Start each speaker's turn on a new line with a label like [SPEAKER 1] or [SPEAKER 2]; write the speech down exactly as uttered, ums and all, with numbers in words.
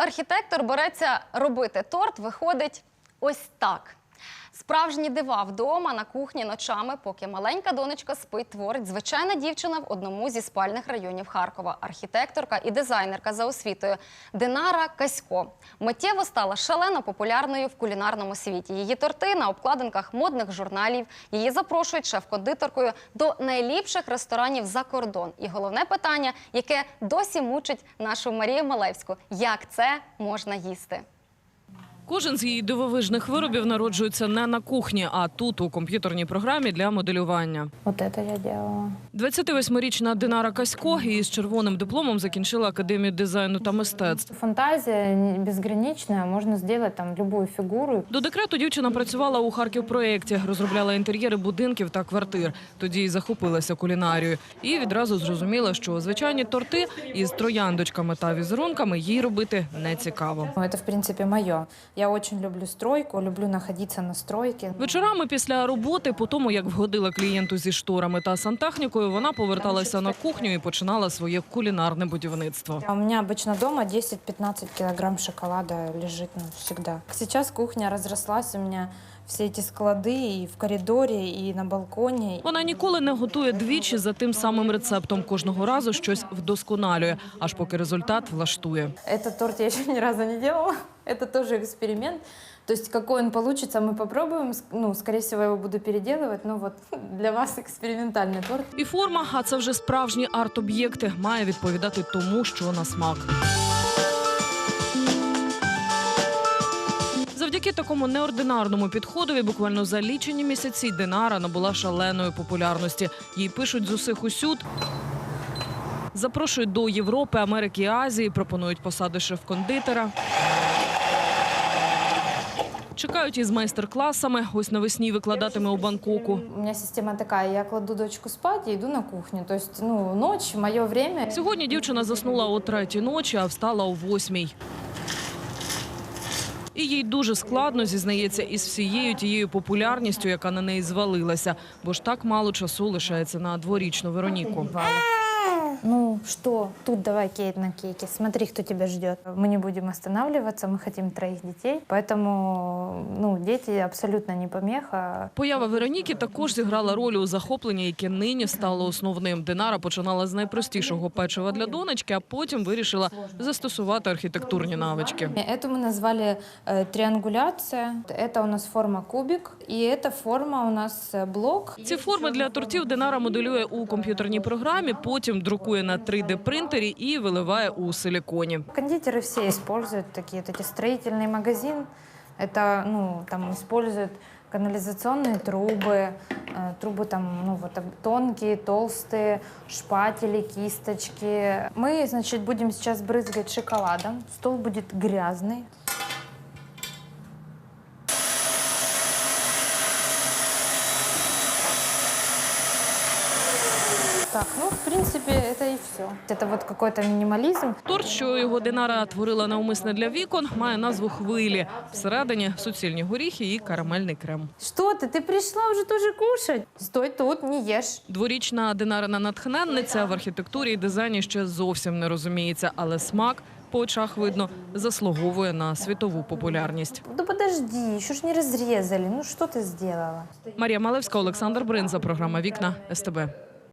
[SPEAKER 1] архітектор береться робити торт, виходить ось так. Справжні дива вдома, на кухні, ночами, поки маленька донечка спить, творить звичайна дівчина в одному зі спальних районів Харкова. Архітекторка і дизайнерка за освітою Динара Касько миттєво стала шалено популярною в кулінарному світі. Її торти на обкладинках модних журналів, її запрошують шеф-кондитеркою до найліпших ресторанів за кордон. І головне питання, яке досі мучить нашу Марію Малевську – як це можна їсти?
[SPEAKER 2] Кожен з її дивовижних виробів народжується не на кухні, а тут, у комп'ютерній програмі для моделювання.
[SPEAKER 3] Вот это я делала.
[SPEAKER 2] двадцятивосьмирічна Динара Касько із червоним дипломом закінчила Академію дизайну та мистецтв.
[SPEAKER 3] Фантазия безграничная, можно сделать там любую фигуру.
[SPEAKER 2] До декрету дівчина працювала у Харківпроєкті, розробляла інтер'єри будинків та квартир. Тоді й захопилася кулінарією. І відразу зрозуміла, що звичайні торти із трояндочками та візерунками їй робити не цікаво.
[SPEAKER 3] Это, в принципе, мое. Я очень люблю стройку, люблю находиться на стройке.
[SPEAKER 2] Вечорами після роботи, по тому, як вгодила клієнту зі шторами та сантехнікою, вона поверталася на кухню і починала своє кулінарне будівництво.
[SPEAKER 3] У меня обычно дома десять-пятнадцать килограмм шоколада лежит, ну, всегда. Сейчас кухня разрослась у меня. Всі ці склади і в коридорі, і на балконі.
[SPEAKER 2] Вона ніколи не готує двічі за тим самим рецептом. Кожного разу щось вдосконалює, аж поки результат влаштує.
[SPEAKER 3] Этот торт я ще ні разу не делала. Это тоже эксперимент. То есть какой он получится, мы попробуем. Ну, скорее всего, я его буду переделывать. Но вот для вас экспериментальный торт.
[SPEAKER 2] І форма, а це вже справжні арт-об'єкти, має відповідати тому, що на смак. Завдяки такому неординарному підходові буквально за лічені місяці Динара набула шаленої популярності. Їй пишуть з усіх усюд, запрошують до Європи, Америки і Азії, пропонують посади шеф-кондитера. Чекають із майстер-класами. Ось навесні викладатиме у Бангкоку.
[SPEAKER 3] У меня система такая, я кладу дочку спать и иду на кухню. То есть, ну, ночь, мое время.
[SPEAKER 2] Сьогодні дівчина заснула о третій ночі, а встала о восьмій. І їй дуже складно, зізнається, із всією тією популярністю, яка на неї звалилася. Бо ж так мало часу лишається на дворічну Вероніку.
[SPEAKER 3] Ну что, тут давай кейк на кейке. Смотри, кто тебя ждет. Мы не будем останавливаться, мы хотим троих детей. Поэтому, ну, дети абсолютно не помеха.
[SPEAKER 2] Поява Вероніки також зіграла роль у захопленні, яке нині стало основним. Динара починала з найпростішого печива для донечки, а потім вирішила застосувати архітектурні навички.
[SPEAKER 3] Это мы назвали э, триангуляция. Это у нас форма кубик. И эта форма у нас блок.
[SPEAKER 2] Ці форми для тортів Динара моделює у комп'ютерній програмі, потім друкує на три де принтері і виливає у силіконі.
[SPEAKER 3] Кондитеры все используют такие, вот эти строительный магазин. Это, ну, там используют канализационные трубы, э, трубы там, ну, вот тонкие, толстые, шпатели, кисточки. Мы, значит, будем сейчас брызгать шоколадом. Стол будет грязный. Так, ну, в принципе, это и все. Это вот какой-то минимализм.
[SPEAKER 2] Торт, що його Динара творила навмисне для вікон, має назву «Хвилі». Всередині суцільні горіхи і карамельний крем.
[SPEAKER 3] Что ты? Ты пришла уже тоже кушать? Стой тут, не ешь.
[SPEAKER 2] Дворічна Динарина натхненниця в архітектурі і дизайні ще зовсім не розуміється, але смак, по очах видно, заслуговує на світову популярність.
[SPEAKER 3] Да подожди, еще ж не разрезали. Ну что ты сделала?
[SPEAKER 2] Марія Малевська, Олександр Бринза, програма «Вікна», ес те бе.